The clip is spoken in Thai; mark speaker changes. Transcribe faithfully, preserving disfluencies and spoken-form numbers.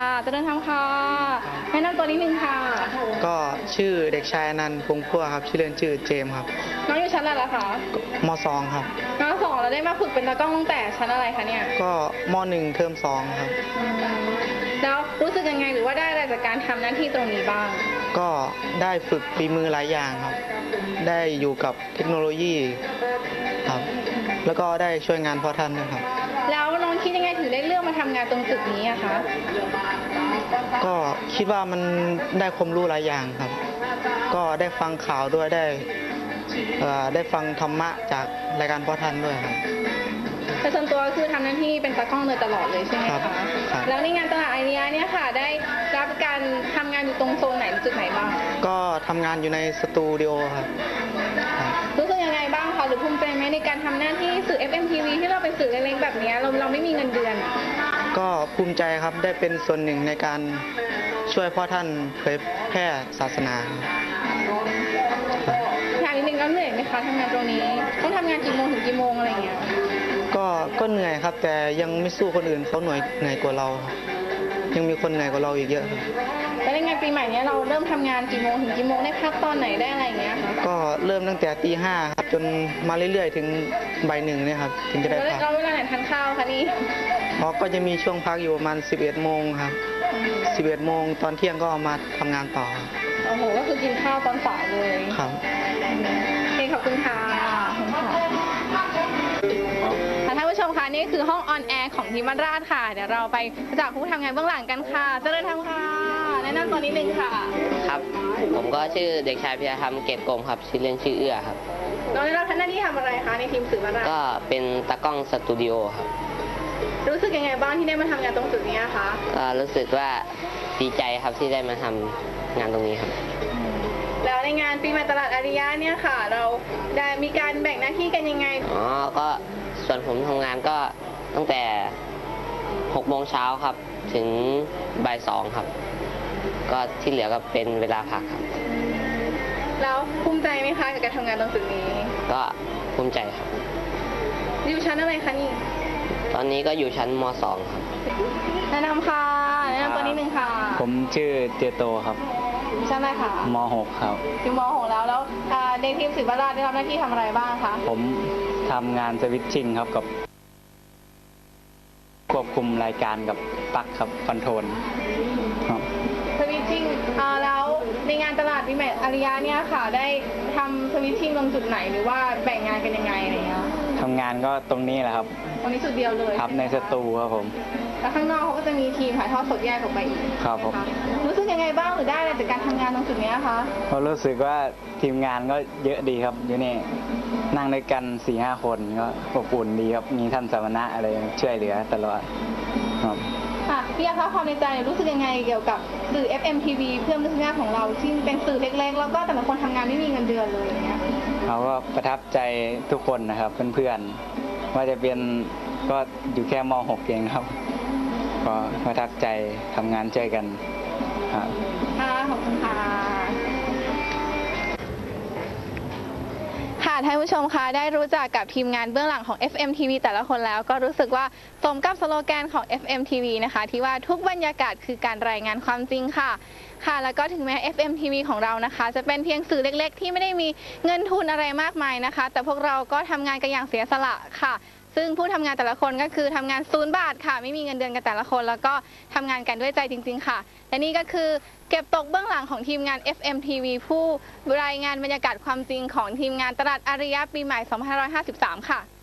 Speaker 1: ค่ะเจริญธรรมค่ะแนะนำตัวนิดนึงค่ะ
Speaker 2: ก็ชื่อเด็กชายอนันต์พงษ์พั่วครับชื่อเล่นชื่อเจมส์ครับ
Speaker 1: น้องอยู่ชั้นอะไรล่ะคะ
Speaker 2: มสองครับ
Speaker 1: มสองเราได้มาฝึกเป็นตากล้องตั้งแต่ชั้นอะไรคะเนี่ย
Speaker 2: ก็มหนึ่งเทอมสองครับ
Speaker 1: แล้วรู้สึกยังไงหรือว่าได้อะไรจากการทำหน้าที่ตรงนี้บ้าง
Speaker 2: ก็ได้ฝึกฝีมือหลายอย่างครับได้อยู่กับเทคโนโลยีครับแล้วก็ได้ช่วยงานพ่อท่านด้วยครับ
Speaker 1: แล้วน้องคิดยังไงถึงได้เลือกมาทำงานตรงจุดนี้อะคะ
Speaker 2: ก็คิดว่ามันได้ความรู้หลายอย่างครับก็ได้ฟังข่าวด้วยได้ได้ฟังธรรมะจากรายการพ่อท่านด้วยครับ
Speaker 1: แต่ส่วนตัวคือทำหน้าที่เป็นตากล้องโดยตลอดเลยใช่ไหมคะแล้วในงานตลาดไอเดียเนี่ยค่ะได้รับการทำงานอยู่ตรงโซนไหนจุดไหนบ้าง
Speaker 2: ก็ทำงานอยู่ในสตูดิโอครับ
Speaker 1: รู้สึกยังไงบ้างคะหรือภูมิใจไหมในการทำหน้าที่สื่อ เอฟ เอ็ม ที วี ที่เราเป็นสื่อเล็กๆแบบนี้เราเราไม่มีเงินเดือน
Speaker 2: ก็ภูมิใจครับได้เป็นส่วนหนึ่งในการช่วยพ่อท่านเผยแพร่ศาสนา
Speaker 1: ถามนิดนึงแล้วเหนื่อยไหมคะทำงานตรงนี้ต้องทำงานกี่โมงถึงกี่โมงอะไรเงี้ย
Speaker 2: ก็ก็เหนื่อยครับแต่ยังไม่สู้คนอื่นเขาเหนื่อยเหนื่อยกว่าเรายังมีคนเหนื่อยกว่าเราอีกเยอะ
Speaker 1: แล้วในงานปีใหม่นี้เราเริ่มทำงานกี่โมงถึงกี่โมงได้พักตอนไหนได้อะไรเงี้ย
Speaker 2: ก็เริ่มตั้งแต่ตีห้าครับจนมาเรื่อยๆถึงบ่ายหนึ่งเนี่ยครับถึงจะได้พัก
Speaker 1: เราเวลาไหนทานข้าวคะนี่
Speaker 2: อ๋อก็จะมีช่วงพักอยู่ประมาณสิบเอ็ดโมงครับสิบเอ็ดโมงตอนเที่ยงก็มาทำงานต่อ
Speaker 1: โอ้โหก็คือกินข้าวตอนสายเลย
Speaker 2: ครับ
Speaker 1: โอเคขอบคุณค่ะท่านผู้ชมคะนี่คือห้องออนแอร์ของทีมบ้านราชค่ะเดี๋ยวเราไปจากผู้ทำงานเบื้องหลังกันค่ะเจริญธรรมค่ะแนะนำตัวนิดนึงค่ะ
Speaker 3: ครับผมก็ชื่อเด็กชายพิยธรรมเกตกรมครับชื่อเล่นชื่อเอื้อครับ
Speaker 1: น้องได้รับหน้าที่ทำอะไรคะในทีมสื่อบ้านราช
Speaker 3: ก็เป็นตากล้องสตูดิโอครับ
Speaker 1: รู้สึกยังไงบ้างที่ได้มาทำงานตรงจุดนี้คะ
Speaker 3: ก็รู้สึกว่าดีใจครับที่ได้มาทำงานตรงนี้ครับ
Speaker 1: แล้วในงานปีใหม่ตลาดอาริยะเนี่ยค่ะเราได้มีการแบ่งหน้าที่กันยังไง
Speaker 3: อ๋อก็ส่วนผมทำงานก็ตั้งแต่หกโมงเช้าครับถึงบ่ายสองครับก็ที่เหลือก็เป็นเวลาพักครับ
Speaker 1: แล้วภูมิใจไหมคะกับการทำงานตรงจุดนี้
Speaker 3: ก็ภูมิใจครับ
Speaker 1: อยู่ชั้นอะไรคะนี่
Speaker 3: ตอนนี้ก็อยู่ชั้นมสองครับ
Speaker 1: แนะนำค่ะแนะนำตัวนิดนึงค่ะ
Speaker 2: ผมชื่อเจโตครับ
Speaker 1: ชั้นอะไรคะ
Speaker 2: มหกครับ
Speaker 1: อยู่มหกแล้วแล้วในทีมสื่อบ้านราชได้รับหน้าที่ทำอะไรบ้างคะ
Speaker 2: ผมทำงานสวิตชิ่งครับกับควบคุมรายการกับปลั๊กครับคอนโทรล
Speaker 1: สวิตชิ่งแล้วในงานตลาดปีใหม่อาริยะเนี่ยค่ะได้ทำสวิตชิ่งตรงจุดไหนหรือว่าแบ่งงานกันยังไงอะไรเงี้ย
Speaker 2: ทำงานก็ตรงนี้แหละครับ
Speaker 1: ตรงนี้จุดเดียวเลย
Speaker 2: ครับในสตูครับผม
Speaker 1: แล้วข้างนอกเขาก็จะมีทีมถ่ายทอดสดแยกออกไปอีก
Speaker 2: ครับผม
Speaker 1: รู้สึกยังไงบ้างหรือได้อะไรจากการทำงานตรงจุดนี้คะ
Speaker 2: ก็รู้สึกว่าทีมงานก็เยอะดีครับอยู่นี่นั่งด้วยกันสี่ห้าคนก็อบอุ่นดีครับมีท่านสมณะอะไรช่วยเหลือตลอดครับ
Speaker 1: ค่ะพี่อาคะความในใจรู้สึกยังไงเกี่ยวกับสื่อ เอฟ เอ็ม ที วี เพื่อนมนุษยชาติของเราที่เป็นสื่อเล็กๆแล้วก็แต่ละคนทำงานไม่มีเงินเดือนเลยอย่างเงี้ย
Speaker 2: เขาก็ประทับใจทุกคนนะครับเพื่อนๆว่าจะเป็นก็อยู่แค่ม หก เองครับก็ประทับใจทำงานช่วยกันครับ
Speaker 1: ค่ะขอบคุณค่ะค่ะท่านผู้ชมคะได้รู้จักกับทีมงานเบื้องหลังของ เอฟ เอ็ม ที วี แต่ละคนแล้วก็รู้สึกว่าสมกับสโลแกนของ เอฟ เอ็ม ที วี นะคะที่ว่าทุกบรรยากาศคือการรายงานความจริงค่ะค่ะแล้วก็ถึงแม้ เอฟ เอ็ม ที วี ของเรานะคะจะเป็นเพียงสื่อเล็กๆที่ไม่ได้มีเงินทุนอะไรมากมายนะคะแต่พวกเราก็ทำงานกันอย่างเสียสละค่ะซึ่งผู้ทำงานแต่ละคนก็คือทำงานศูนย์บาทค่ะไม่มีเงินเดือนกันแต่ละคนแล้วก็ทำงานกันด้วยใจจริงๆค่ะและนี่ก็คือเก็บตกเบื้องหลังของทีมงาน เอฟ เอ็ม ที วี ผู้รายงานบรรยากาศความจริงของทีมงานตลาดอาริยะปีใหม่สองพันห้าร้อยห้าสิบสามค่ะ